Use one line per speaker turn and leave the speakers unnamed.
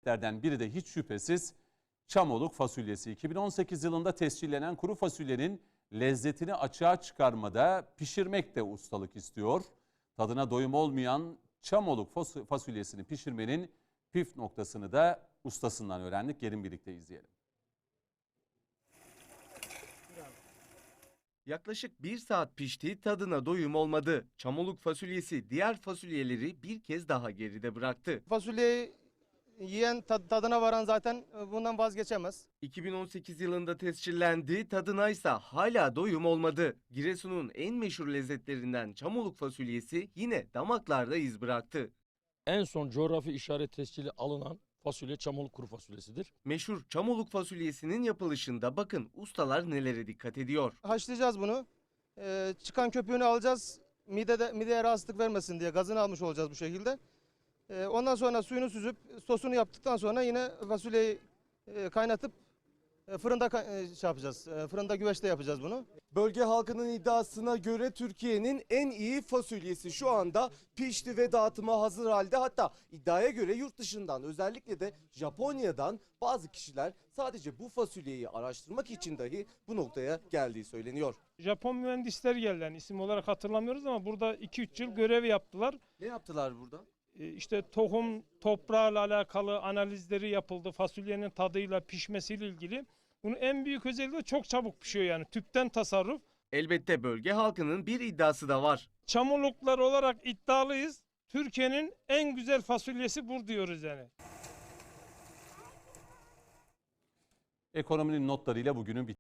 değişikliklerden biri de hiç şüphesiz Çamoluk fasulyesi. 2018 yılında tescillenen kuru fasulyenin lezzetini açığa çıkarmada pişirmek de ustalık istiyor. Tadına doyum olmayan Çamoluk fasulyesini pişirmenin püf noktasını da ustasından öğrendik. Gelin birlikte izleyelim.
Yaklaşık 1 saat pişti, tadına doyum olmadı. Çamoluk fasulyesi diğer fasulyeleri bir kez daha geride bıraktı.
Fasulyeyi yiyen tadına varan zaten bundan vazgeçemez.
2018 yılında tescillendi, tadına ise hala doyum olmadı. Giresun'un en meşhur lezzetlerinden Çamoluk fasulyesi yine damaklarda iz bıraktı.
En son coğrafi işaret tescili alınan fasulye Çamoluk kuru fasulyesidir.
Meşhur Çamoluk fasulyesinin yapılışında bakın ustalar nelere dikkat ediyor.
Haşlayacağız bunu. Çıkan köpüğünü alacağız. Mideye rahatsızlık vermesin diye gazını almış olacağız bu şekilde. Ondan sonra suyunu süzüp sosunu yaptıktan sonra yine fasulyeyi kaynatıp fırında yapacağız. Fırında güveçte yapacağız bunu.
Bölge halkının iddiasına göre Türkiye'nin en iyi fasulyesi şu anda pişti ve dağıtıma hazır halde. Hatta iddiaya göre yurt dışından, özellikle de Japonya'dan bazı kişiler sadece bu fasulyeyi araştırmak için dahi bu noktaya geldiği söyleniyor.
Japon mühendisler geldi, yani isim olarak hatırlamıyoruz ama burada 2-3 yıl görev yaptılar.
Ne yaptılar burada?
İşte tohum, toprağıyla alakalı analizleri yapıldı. Fasulyenin tadıyla, pişmesiyle ilgili. Bunun en büyük özelliği de çok çabuk pişiyor, yani tüpten tasarruf.
Elbette bölge halkının bir iddiası da var.
Çamoluklar olarak iddialıyız. Türkiye'nin en güzel fasulyesi bu diyoruz yani.
Ekonominin notlarıyla bugünün